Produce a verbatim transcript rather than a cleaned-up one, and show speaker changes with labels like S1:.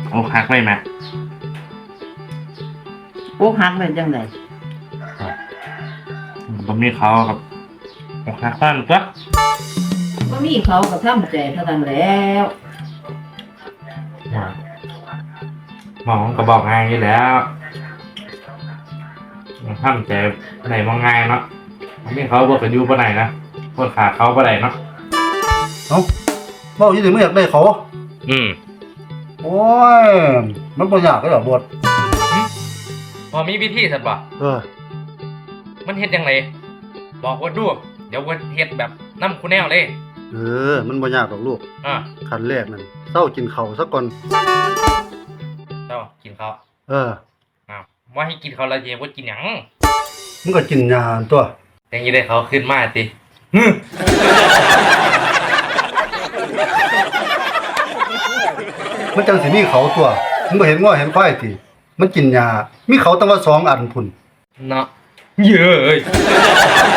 S1: อกหักไหมแม่
S2: อกหักเป็นจังได๋
S1: บ่มีเขาครับอกหักบ้านก็
S2: บ่มีเขาก็ทำใจเท่านั้นแล้ว
S1: หมอก็บอกง่ายอยู่แล้วทำใจไหนมองง่ายเนาะมีเขาบอกกันอยู่บ่ไหนนะคนขาเขาบ่ได้เนาะ
S3: เอ้าเว้าอยู่นี่ไม่อยากได้เขา
S1: อืม
S3: โอ้ยมันบ่ยากเลยเหรอบท
S1: พอมีวิธีสัตว์ป่ะ
S3: เออ
S1: มันเฮ็ดยังไงบอกว่าดูเดี๋ยวว่าเฮ็ดแบบน้ำคูแนวเลย
S3: เออมันบ่ยากหรอกลูก
S1: อ่า
S3: ขั้นแรกนั่นเซากินข้าวซะก่อน
S1: เจ้ากินข้าว
S3: เออ
S1: อ้าวว่าให้กินข้าวแล้วเย็นว่ากินหยัง
S3: มึงก็กินยาตัว
S1: ยังยี่ได้เขาขึ้นมาติ
S3: มันจังสิมีเขาตัวมึงบ่เห็นง้อเห็นควายติมันกินยามีเขาตั้งว่าสองอันพุ่น
S1: เนาะเย้ย